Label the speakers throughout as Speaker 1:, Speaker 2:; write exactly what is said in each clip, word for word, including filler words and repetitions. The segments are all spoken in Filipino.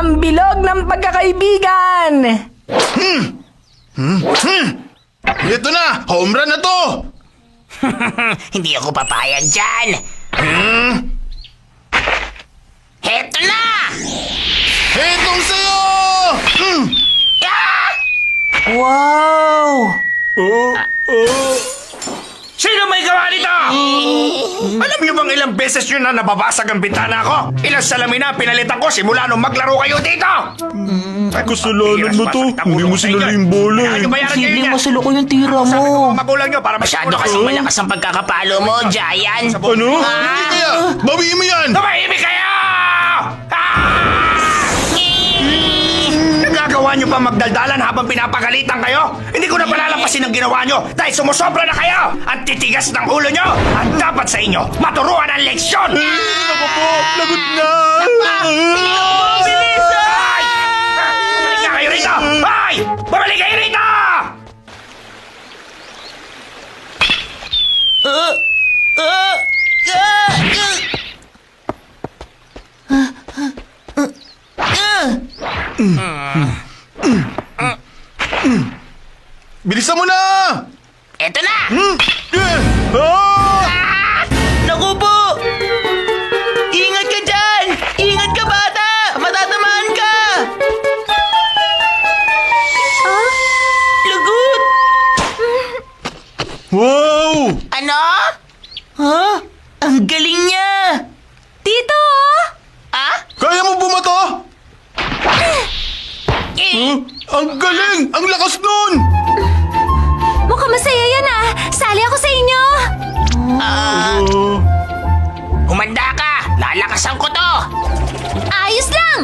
Speaker 1: ang bilog ng pagkakaibigan!
Speaker 2: Hmm! Hmm? Hmm! Ito na! Home run na to!
Speaker 3: Hindi ako papayag dyan.
Speaker 2: Hmm?
Speaker 3: Heto na!
Speaker 2: Itong sa'yo! Hmm!
Speaker 3: Ah!
Speaker 4: Wow!
Speaker 2: Oh, oh.
Speaker 5: Sino may gawa nito? Alam niyo bang ilang beses nyo na nababasag ang bintana ko? Ilang salamin na pinalitan ko simula nung maglaro kayo dito?
Speaker 2: Kasalanan mo to. Hindi mo sinalo yung bola eh.
Speaker 4: Posibleng masalo ko yung tira
Speaker 5: Sabi ko
Speaker 4: mo.
Speaker 5: mga magulang nyo para
Speaker 3: Masyado
Speaker 5: masyado
Speaker 3: kasing malakas ang pagkakapalo mo, Giant.
Speaker 2: Ano? Hindi kaya! Bawiin mo yan!
Speaker 5: Tumahimik kayo! Ah! Nagagawa nyo pa magdaldalan habang pinapagalitan kayo? Hindi ko na palalampasin ang ginawa nyo dahil sumusobra na kayo! Ang titigas ng ulo nyo! Ang dapat sa inyo, maturuan ang leksyon!
Speaker 2: Ako po! Lagot na!
Speaker 5: Bilis! Ay! Bumalik nga kayo rito! Ay! Bumalik kayo rito!
Speaker 2: Bilisan mo na!
Speaker 3: Eto na!
Speaker 2: Hmm? Eh! Ah!
Speaker 4: Naku po! Ingat ka dyan! Ingat ka, bata! Matatamaan ka!
Speaker 6: Ah?
Speaker 4: Lagot!
Speaker 2: Wow!
Speaker 3: Ano?
Speaker 4: Ha? Ang galing niya!
Speaker 6: Tito!
Speaker 3: Ah?
Speaker 2: Kaya mo bumato?
Speaker 3: Eh,
Speaker 2: Huh? Ang galing! Ang lakas nun!
Speaker 6: Mukhang masaya yan ah! Sali ako sa inyo!
Speaker 3: ah,
Speaker 2: Oh.
Speaker 3: humanda ka! Lalakasan ko to!
Speaker 6: Ayos lang!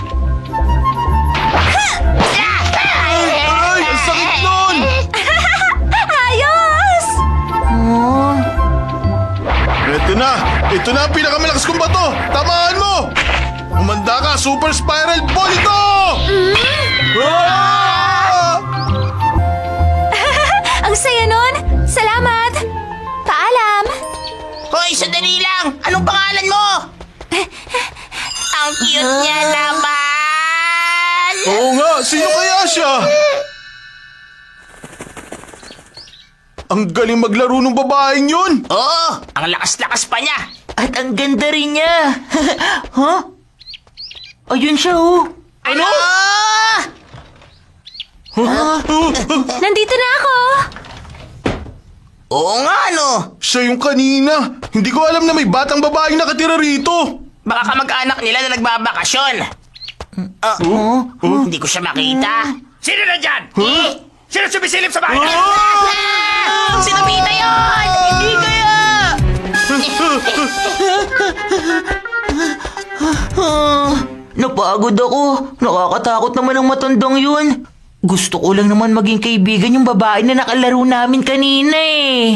Speaker 2: Ay! Ang sakit nun!
Speaker 6: Ayos!
Speaker 4: Oh,
Speaker 2: Ito na! Ito na ang pinakamalakas kong bato! Tamaan mo! Umanda ka! Super Spiral Ball ito! Ah!
Speaker 6: Ang saya nun! Salamat! Paalam!
Speaker 3: Hoy, sandali lang! Anong pangalan mo? Ang cute niya naman!
Speaker 2: Oo nga! Sino kaya siya? Ang galing maglaro ng babaeng yun!
Speaker 3: Oo, ang lakas-lakas pa niya!
Speaker 4: at ang ganda rin niya! Huh? Ayun siya, oh!
Speaker 3: Ano?
Speaker 6: Nandito na ako!
Speaker 3: Oo nga, no?
Speaker 2: Siya yung kanina! Hindi ko alam na may batang babaeng nakatira rito!
Speaker 3: Baka kamag-anak nila na nagbabakasyon. Ah,
Speaker 4: Oh?
Speaker 3: Hindi ko siya makita.
Speaker 5: Sino na dyan?
Speaker 3: Eh,
Speaker 5: Sino sumisilip sa bahay?
Speaker 3: ah! Si Nobita yun!
Speaker 4: Hindi kaya! Ah, napagod ako. Nakakatakot naman ang matandang yun. Gusto ko lang naman maging kaibigan yung babae na nakalaro namin kanina eh.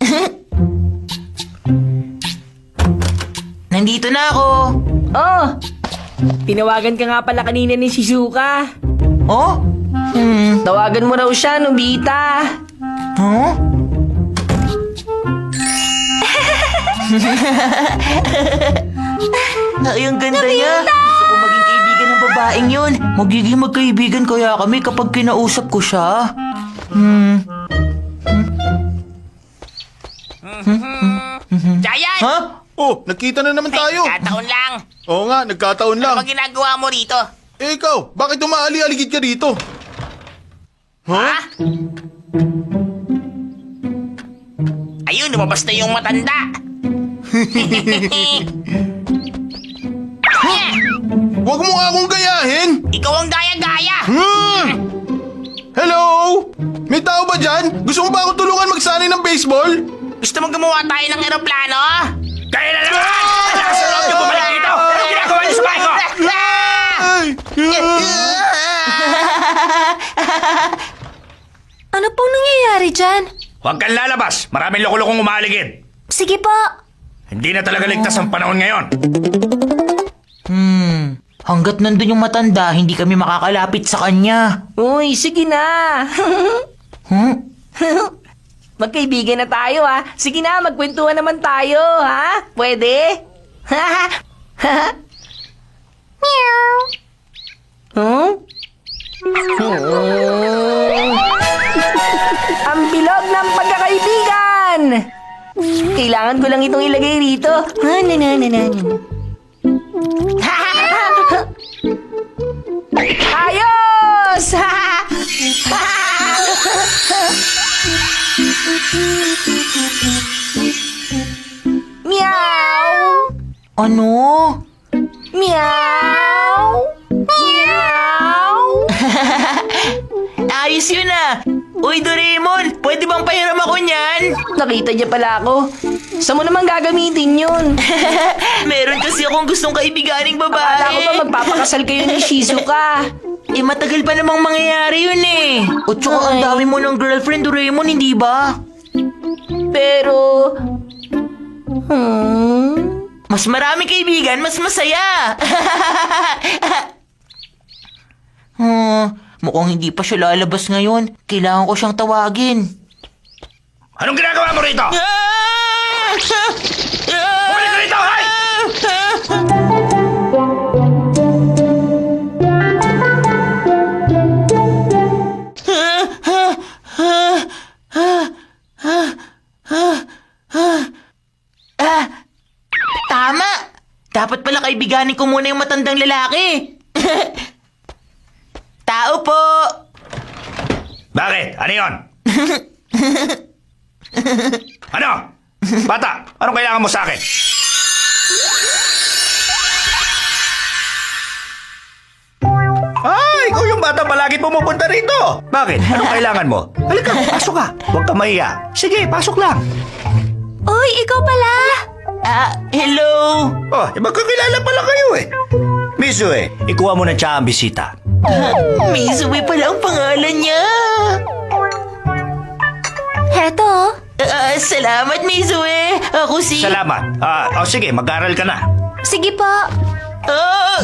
Speaker 4: Nandito na ako.
Speaker 1: Oh, tinawagan ka nga pala kanina ni Shizuka.
Speaker 4: Oh? Hmm.
Speaker 1: Tawagan mo raw siya, Nobita.
Speaker 4: Huh? Ay, ang ganda niya. Gusto ko maging kaibigan ng babaeng yun. Magiging magkaibigan kaya kami kapag kinausap ko siya. Hmm.
Speaker 3: Giant!
Speaker 4: Ha?
Speaker 2: Oh, nagkita na naman tayo!
Speaker 3: Kataon lang.
Speaker 2: Oo nga, nagkataon lang.
Speaker 3: Ano bang ginagawa mo rito?
Speaker 2: Eh ikaw, bakit umaali-aligid ka dito?
Speaker 3: Ha? Ayun, lumabas na yung matanda.
Speaker 2: Huwag mo nga akong gayahin!
Speaker 3: Ikaw ang gaya-gaya.
Speaker 2: Hmm! Hello? May tao ba dyan? Gusto mo ba akong tulungan magsanay ng baseball?
Speaker 3: Gusto mo gumawa tayo ng eroplano?
Speaker 5: Kaya na naman! Lakas ng loob niyo bumalik dito! Anong ginagawa niyo sa bahay ko?
Speaker 2: Ay!
Speaker 6: Ano pong nangyayari dyan?
Speaker 5: Huwag kang lalabas! Maraming loko-lokong umaaligid!
Speaker 6: Sige po!
Speaker 5: Hindi na talaga ligtas ang panahon ngayon!
Speaker 4: Hmm. Hanggat nandun yung matanda, hindi kami makakalapit sa kanya.
Speaker 1: Uy, sige na.
Speaker 4: Hmm?
Speaker 1: Magkaibigan na tayo, ha? Sige na, magkwentuhan naman tayo, ha? Pwede?
Speaker 6: Meow!
Speaker 1: Kailangan ko lang itong ilagay rito. Ah, na, na, na, na, na. Ayos! Meow!
Speaker 4: Ano?
Speaker 1: Meow! Meow!
Speaker 4: Ayos yun ah! Uy, Doraemon! Pwede bang pahiram ako niyan?
Speaker 1: Nakita niya pala ako. Saan mo naman gagamitin yun?
Speaker 4: Meron kasi akong gustong kaibiganing babae.
Speaker 1: Akala ko ba magpapakasal kayo ni Shizuka?
Speaker 4: Eh, matagal pa namang mangyayari yun eh. O tsaka ang
Speaker 1: Ay.
Speaker 4: dami mo ng girlfriend, Doraemon, hindi ba?
Speaker 1: Pero... Hmm...
Speaker 4: Mas marami kaibigan, mas masaya. hmm, mukhang hindi pa siya lalabas ngayon. Kailangan ko siyang tawagin.
Speaker 5: Anong ginagawa mo rito? Bumalik ka rito, hay!
Speaker 4: Ah, tama! Dapat pala kaibiganin ko muna yung matandang lalaki. Tao po!
Speaker 5: Bakit? Ano yun? Ano? Bata, anong kailangan mo sa akin? Ay, ikaw yung bata palagi pumupunta rito. Bakit? Anong kailangan mo? Halika, pasok ka. Huwag ka mahiya. Sige, pasok lang.
Speaker 6: Uy, ikaw pala!
Speaker 4: Ah, hello!
Speaker 5: Oh, eh, magkakilala pala kayo eh. Mizue, ikuha mo na siya ang bisita.
Speaker 4: Mizue pala ang pangalan niya.
Speaker 6: Heto.
Speaker 4: Ah, salamat, Mizue. Ako si...
Speaker 5: Salamat. Ah, oh, sige, mag-aral ka na.
Speaker 6: Sige po.
Speaker 4: Ah!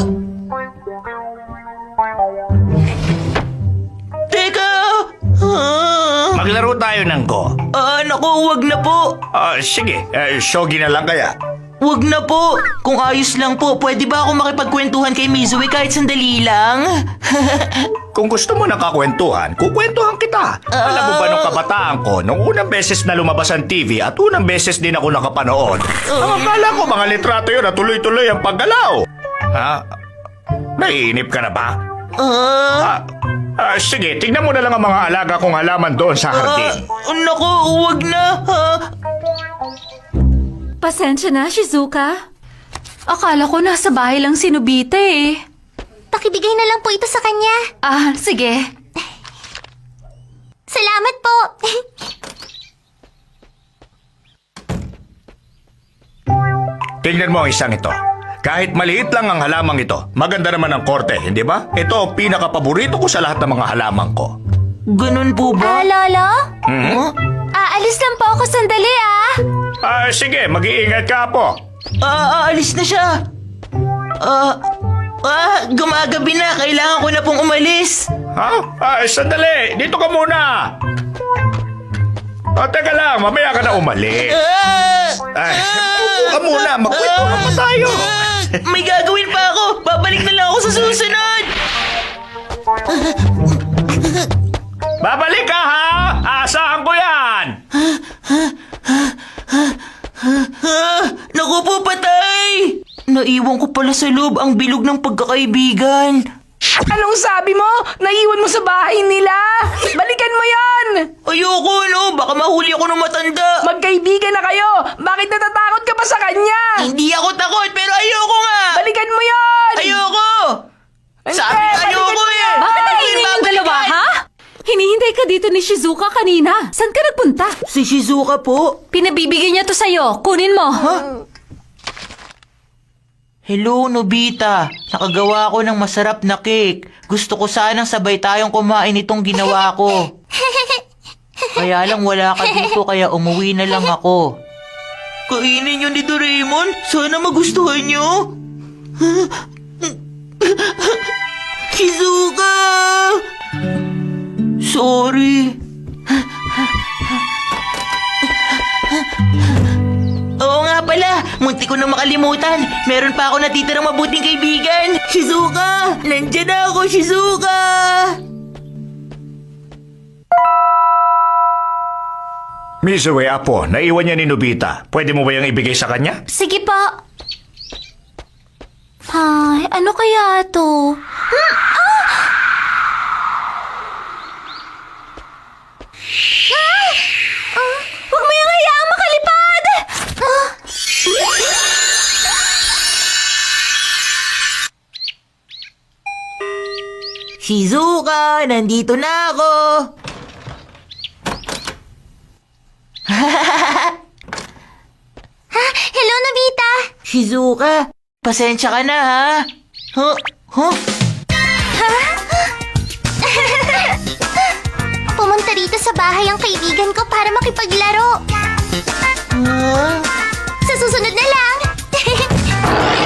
Speaker 4: Teka! Ah,
Speaker 5: Maglaro tayo ng Go.
Speaker 4: ah, naku, wag na po.
Speaker 5: Ah, sige, eh, shogi na lang kaya.
Speaker 4: Wag na po. Kung ayos lang po, pwede ba ako makipagkwentuhan kay Mizue kahit sandali lang?
Speaker 5: Kung gusto mo nakakwentuhan, kukwentuhan kita. Alam mo ba nung kabataan ko, nung unang beses na lumabas ang T V at unang beses din ako nakapanood, ang akala ko mga litrato yun at tuloy-tuloy ang paggalaw. Ha? Naiinip ka na ba?
Speaker 4: Ah,
Speaker 5: Ah, ah, sige, tignan mo na lang ang mga alaga kong halaman doon sa
Speaker 4: ah,
Speaker 5: hardin.
Speaker 4: naku, wag na. Ah.
Speaker 6: Pasensya na, Shizuka. Akala ko nasa bahay lang si Nobita eh.
Speaker 7: Pakibigay na lang po ito sa kanya.
Speaker 6: Ah, sige.
Speaker 7: Salamat po.
Speaker 5: Tingnan mo ang isang ito. Kahit maliit lang ang halamang ito, maganda naman ang korte, hindi ba? Ito ang pinakapaborito ko sa lahat ng mga halamang ko.
Speaker 4: Ganun po
Speaker 7: Ah,
Speaker 4: ba?
Speaker 7: Lolo?
Speaker 5: Hmm?
Speaker 4: Huh?
Speaker 6: Aalis lang po ako sandali ah.
Speaker 5: Ah, sige, mag-iingat ka po.
Speaker 4: Ah, aalis na siya. Ah, ah, gumagabi na. Kailangan ko na pong umalis.
Speaker 5: Ha? Ah, sandali, dito ka muna. Ah, teka lang, mamaya ka na umalis.
Speaker 4: Ah,
Speaker 5: Ay, upo ka muna, magkwentuhan pa tayo.
Speaker 4: ah, may gagawin pa ako. Babalik na lang ako sa susunod.
Speaker 5: Babalik ka ha! Aasahan ko yan!
Speaker 4: Ah, naku po, patay! Naiwan ko pala sa loob ang bilog ng pagkakaibigan.
Speaker 1: Anong sabi mo? Naiwan mo sa bahay nila? Balikan mo yon!
Speaker 4: Ayoko, no? Baka mahuli ako ng matanda.
Speaker 1: Magkaibigan na kayo! Bakit natatakot ka pa sa kanya?
Speaker 4: Hindi ako takot, pero ayoko nga.
Speaker 1: Balikan mo yon!
Speaker 4: Ayoko!
Speaker 1: Hindi,
Speaker 4: Sabi
Speaker 1: balikan
Speaker 4: ayoko
Speaker 1: mo
Speaker 4: eh!
Speaker 1: yan!
Speaker 6: Bakit nanginginig yung dalawa, ha? Hinihintay ka dito ni Shizuka kanina. Saan ka nagpunta?
Speaker 4: Si Shizuka po.
Speaker 6: Pinabibigyan niya to sa'yo. Kunin mo.
Speaker 4: Hello, Nobita. Nakagawa ko ng masarap na cake. Gusto ko sanang sabay tayong kumain itong ginawa ko. Kaya lang wala ka dito kaya umuwi na lang ako. Kainin niyo ni Doraemon? Sana magustuhan niyo. Shizuka! Sorry. Oo nga pala, munti ko na makalimutan. Meron pa ako natitirang mabuting kaibigan. Shizuka! Nandiyan na ako, Shizuka!
Speaker 5: Mizue, apo, naiwan niya ni Nobita. Pwede mo ba yung ibigay sa kanya?
Speaker 7: Sige po. Ay, ano kaya to? Hmm, ah! Ah! Ah, Huwag mo yung hayaang makalipad! Ah!
Speaker 4: Shizuka, nandito na ako.
Speaker 7: Hello, Nobita!
Speaker 4: Shizuka, pasensya ka na ha. Huh? Huh?
Speaker 7: Pumunta rito sa bahay ang kaibigan ko para makipaglaro.
Speaker 4: Huh?
Speaker 7: Sa susunod na lang!